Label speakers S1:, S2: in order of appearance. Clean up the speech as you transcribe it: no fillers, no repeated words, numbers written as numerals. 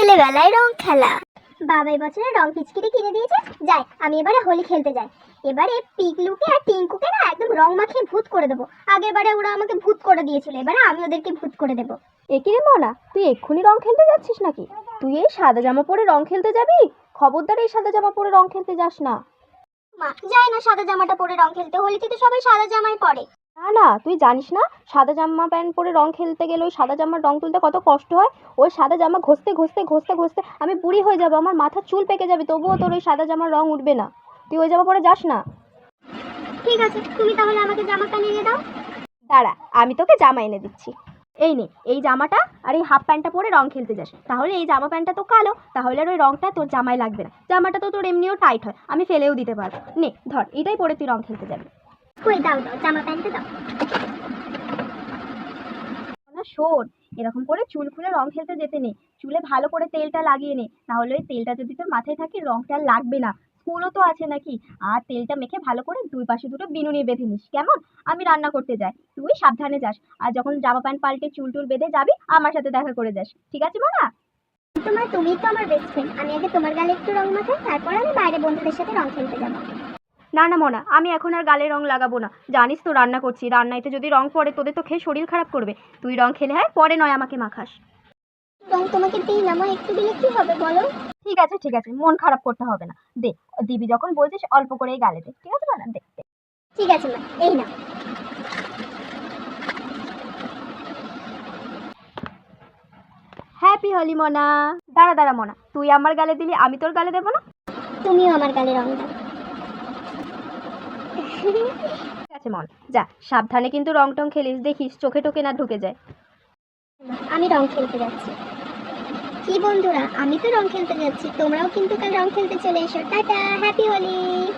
S1: ছেলেবেলায় রং খেলা। বাবা এবছরে রং পিচকিরি কিনে দিয়েছে, যাই আমি এবারে হোলি খেলতে যাই। এবারে পিকলুকে আর টিঙ্কুকে না একদম রং মাখিয়ে ভূত করে দেবো। আগের বারে ওরা আমাকে ভূত করে দিয়েছিল, এবারে আমি ওদেরকে ভূত করে দেবো।
S2: একি রে মনা, তুই এক্ষুনি রং খেলতে যাচ্ছিস নাকি? তুই এই সাদা জামা পরে রং খেলতে যাবি? খবরদার এই সাদা জামা পরে রং খেলতে যাস না।
S1: মা যায় না সাদা জামাটা পরে রং খেলতে, হোলিতে তো সবাই সাদা জামাই পরে।
S2: না না, তুই জানিস না সাদা জামা প্যান্ট পরে রং খেলতে গেলে ওই সাদা জামার রং তুলতে কত কষ্ট হয়। ওই সাদা জামা ঘষতে ঘষতে ঘষতে ঘষতে আমি বুড়ি হয়ে যাবো, আমার মাথার চুল পেকে যাবে, তবুও তোর ওই সাদা জামার রং উঠবে না। তুই ওই জামা পরে যাস না।
S1: ঠিক আছে, তুমি তাহলে আমাকে জামাটা নিয়ে দাও।
S2: দাঁড়া, আমি তোকে জামা এনে দিচ্ছি। এই নে, এই জামাটা আর এই হাফ প্যান্টটা পরে রং খেলতে যাস। তাহলে এই জামা প্যান্টটা তো কালো, তাহলে আর ওই রংটা তোর জামায় লাগবে না। জামাটা তো তোর এমনিও টাইট হয়, আমি ফেলেও দিতে পারবো। নে ধর, এটাই পরে তুই রং খেলতে যাবি।
S1: কই দাও দাও, জামা প্যান্টটা দাও।
S2: না শোন, এরকম করে চুল খুলে রং খেলতে যেতে নেই। চুলে ভালো করে তেলটা লাগিয়ে নে, তাহলে ওই তেলটা যদি তোর মাথায় থাকে রংটা আর লাগবে না। স্কুলও তো আছে নাকি। আর তেলটা মেখে ভালো করে দুই পাশে দুটো বিনুনি বেঁধে নিস, কেমন? আমি রান্না করতে যাই, তুই সাবধানে যাস। আর যখন জামা প্যান্ট পাল্টে চুল টুল বেঁধে যাবি, আমার সাথে দেখা করে যাস, ঠিক আছে মা?
S1: তুমি তো আমার বেস্ট ফ্রেন্ড, আমি আগে তোমার গালে একটু রং মাখাই, তারপর আমি বাইরে বন্ধুদের সাথে রং খেলতে যাবো।
S2: না না মনা, আমি এখন আর গালে রং লাগাবো না। জানিস তো রান্না করছি, রান্নাইতে যদি রং পড়ে তোদের তো খেয়ে শরীর খারাপ করবে। তুই রং খেলে হয় পরে, নয় আমাকে মাখাস।
S1: রং তোমাকে দিই না মা, একটু দিলে কি হবে বলো?
S2: ঠিক আছে ঠিক আছে, মন খারাপ করতে হবে না, দে। দিবি যখন বলছিস অল্প করেই গালে দে, ঠিক আছে না? দে দে।
S1: ঠিক আছে মা, এই না।
S2: হ্যাপি হোলি মনা। দাঁড়া দাঁড়া মনা, তুই আমার গালে দিলি, আমি তোর গালে দেবো না?
S1: তুমিও আমার গালে রং দাও।
S2: ঠিক আছে মন, যা সাবধানে কিন্তু রং টং খেলিস, দেখিস চোখে টোকে না ঢুকে যায়।
S1: আমি রং খেলতে যাচ্ছি। কি বন্ধুরা, আমি তো রং খেলতে যাচ্ছি, তোমরাও কিন্তু কাল রং খেলতে চলে এসো। Tata, happy Holi.